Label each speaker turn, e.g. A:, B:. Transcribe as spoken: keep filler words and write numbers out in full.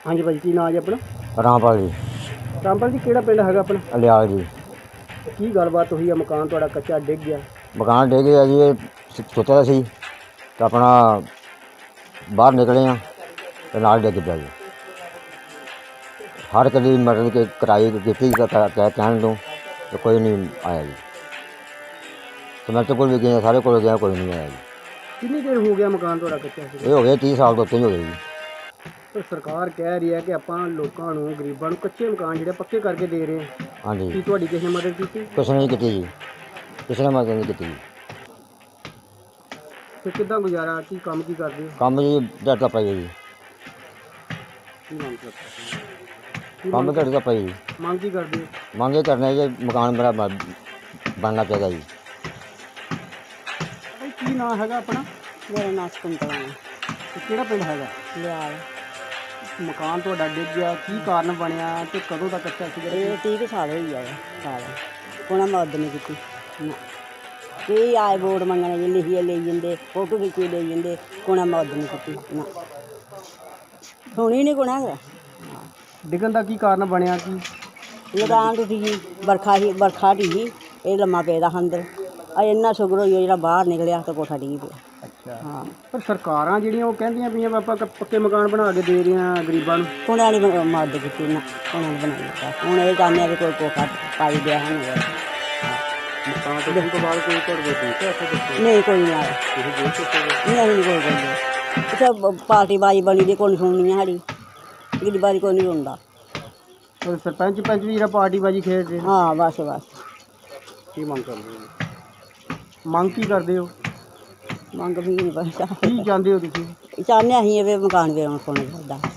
A: ਹਾਂਜੀ ਭਾਜੀ, ਕੀ ਨਾਂ ਜੀ ਆਪਣਾ?
B: ਰਾਮਪਾਲ ਜੀ।
A: ਰਾਮਪਾਲ ਜੀ, ਕਿਹੜਾ ਪਿੰਡ ਹੈਗਾ ਆਪਣਾ?
B: ਅਲਿਆਲ ਜੀ।
A: ਕੀ ਗੱਲਬਾਤ ਹੋਈ ਆ? ਮਕਾਨ ਤੁਹਾਡਾ ਕੱਚਾ ਡਿੱਗ ਗਿਆ।
B: ਮਕਾਨ ਡਿੱਗ ਗਿਆ ਜੀ। ਇਹ ਸੋਚਿਆ ਸੀ ਤਾਂ ਆਪਣਾ ਬਾਹਰ ਨਿਕਲੇ ਹਾਂ ਤੇ ਨਾਲ ਡਿੱਗ ਪਿਆ ਜੀ। ਹਰ ਕਦੀ ਮਤਲਬ ਕਿ ਕਿਰਾਏ ਕੀਤੀ ਕਹਿ ਕਹਿਣ ਤੋਂ ਤੇ ਕੋਈ ਨਹੀਂ ਆਇਆ ਜੀ। ਸਮੈਂਟ ਕੋਲ ਵੀ ਗਏ, ਸਾਰੇ ਕੋਲ ਗਿਆ, ਕੋਈ ਨਹੀਂ ਆਇਆ ਜੀ।
A: ਕਿੰਨੀ ਦੇਰ ਹੋ ਗਿਆ ਮਕਾਨ ਤੁਹਾਡਾ ਕੱਚਾ ਸੀ?
B: ਇਹ ਹੋ ਗਏ ਤੀਹ ਸਾਲ ਤੋਂ ਉੱਤੇ ਹੀ ਹੋ ਗਏ ਜੀ।
A: ਪਰ ਸਰਕਾਰ ਕਹਿ ਰਹੀ ਹੈ ਕਿ ਆਪਾਂ ਲੋਕਾਂ ਨੂੰ, ਗਰੀਬਾਂ ਨੂੰ ਕੱਚੇ ਮਕਾਨ ਜਿਹੜੇ ਪੱਕੇ ਕਰਕੇ ਦੇ ਰਹੇ ਹਾਂ।
B: ਹਾਂਜੀ।
A: ਕੀ ਤੁਹਾਡੀ ਕਿਸੇ ਨੇ ਮਦਦ ਕੀਤੀ?
B: ਕਿਸੇ ਨੇ ਨਹੀਂ ਕੀਤੀ ਜੀ, ਕਿਸੇ ਨੇ ਮਦਦ ਨਹੀਂ ਕੀਤੀ ਜੀ।
A: ਤੇ ਕਿੱਦਾਂ ਗੁਜ਼ਾਰਾ? ਕੀ ਕੰਮ ਕੀ ਕਰਦੇ ਹੋ?
B: ਕੰਮ ਜੀ ਦਿਹਾੜੀ ਦਾ ਪਾਈ ਜੀ।
A: ਕੀ ਮੰਗ ਕਰਦੇ?
B: ਕੰਮ ਦਿਹਾੜੀ ਦਾ ਪਾਈ ਜੀ।
A: ਮੰਗ ਕੀ ਕਰਦੇ ਹੋ?
B: ਮੰਗ ਇਹ ਕਰਨਾ ਜੀ, ਮਕਾਨ ਮੇਰਾ ਬ- ਬਣਨਾ ਚਾਹੀਦਾ ਜੀ।
A: ਭਾਈ, ਕੀ ਨਾਂ ਹੈਗਾ ਆਪਣਾ?
C: ਮੇਰਾ ਨਾਂ ਸਕੁੰਤਲਾ ਹੈ।
A: ਤੇ ਕਿਹੜਾ ਪਿੰਡ ਹੈਗਾ?
C: ਲਿਆਲ।
A: ਮਕਾਨ ਤੁਹਾਡਾ ਡਿੱਗ ਗਿਆ, ਕੀ ਕਾਰਨ ਬਣਿਆ ਤੇ ਕਦੋਂ ਦਾ ਕੱਚਾ ਸੀ?
C: ਇਹ ਤੀਹ ਕੁ ਸਾਲ ਹੋਈ ਆਏ ਸਾਲ ਕੋਣਾ ਮਦਦ ਨਹੀਂ ਕੀਤੀ ਨਾ। ਕੀ ਆਏ ਵੋਟ ਮੰਗਣੇ ਜੀ, ਲਿਖੀਏ ਲਈ ਜਾਂਦੇ, ਫੋਟੋ ਖਿੱਚੀ ਲਈ ਜਾਂਦੇ, ਕੋਣਾ ਮਦਦ ਨਹੀਂ ਕੀਤੀ ਨਾ। ਸੁਣੀ ਨਹੀਂ ਕੋਣਾ ਹੈਗਾ।
A: ਡਿੱਗਣ ਦਾ ਕੀ ਕਾਰਨ ਬਣਿਆ? ਕੀ
C: ਲਗਾਨ ਟੁੱਟੀ ਜੀ, ਬਰਖਾ ਹੀ ਬਰਖਾ ਢੀ, ਇਹ ਲੰਮਾ ਪਿਆ ਅੰਦਰ। ਆ ਇੰਨਾ ਸ਼ੁਕਰ ਹੋਈ ਜਿਹੜਾ ਬਾਹਰ ਨਿਕਲਿਆ ਤਾਂ ਕੋਠਾ ਡਿੱਗ ਪਿਆ।
A: ਅੱਛਾ।
C: ਹਾਂ।
A: ਪਰ ਸਰਕਾਰਾਂ ਜਿਹੜੀਆਂ ਉਹ ਕਹਿੰਦੀਆਂ ਪਈਆਂ ਵੀ ਆਪਾਂ ਕ- ਪੱਕੇ ਮਕਾਨ ਬਣਾ ਕੇ ਦੇ ਰਹੇ ਹਾਂ ਗਰੀਬਾਂ ਨੂੰ।
C: ਕੋਣਾ ਨੇ ਮਦਦ ਕੀਤੀ ਨਾ, ਕੋਣਾ ਨੇ ਬਣਾਈ ਦਿੱਤਾ। ਹੁਣ ਇਹ ਚਾਹੁੰਦੇ ਆ ਵੀ ਕੋਈ ਕੋਠਾ ਪਾਈ ਦਿਆ ਸਾਨੂੰ।
A: ਮਕਾਨ ਤੋਂ ਤੋਂ ਬਾਅਦ ਕੋਈ ਘਰ ਦੇ ਦਿੱਤੇ?
C: ਨਹੀਂ, ਕੋਈ ਨਹੀਂ ਆਇਆ। ਨਹੀਂ, ਅਸੀਂ ਨਹੀਂ ਕੋਈ ਕਹਿੰਦੇ। ਇੱਥੇ ਪਾਰਟੀ ਬਾਜੀ ਬਣੀ ਦੀ, ਕੋਈ ਸੁਣਨੀ ਆ ਸਾਡੀ ਗਰੀਬਾਂ ਕੋਈ ਨਹੀਂ ਸੁਣਦਾ।
A: ਸਰਪੰਚ ਪੰਚ ਵੀ ਜਿਹੜਾ ਪਾਰਟੀ ਬਾਜੀ ਖੇਡਦੇ?
C: ਹਾਂ, ਬਸ ਬਸ।
A: ਕੀ ਮੰਗ ਕਰਦੇ ਹੋ? ਮੰਗ ਕੀ ਕਰਦੇ ਹੋ?
C: ਮੰਗ ਵੀ ਨਹੀਂ ਪਤਾ।
A: ਕੀ ਚਾਹੁੰਦੇ ਹੋ ਤੁਸੀਂ?
C: ਚਾਹੁੰਦੇ ਅਸੀਂ ਇਹ ਵੀ ਮਕਾਨ ਵੀ ਆਉਣ ਕੋਲ ਦਾ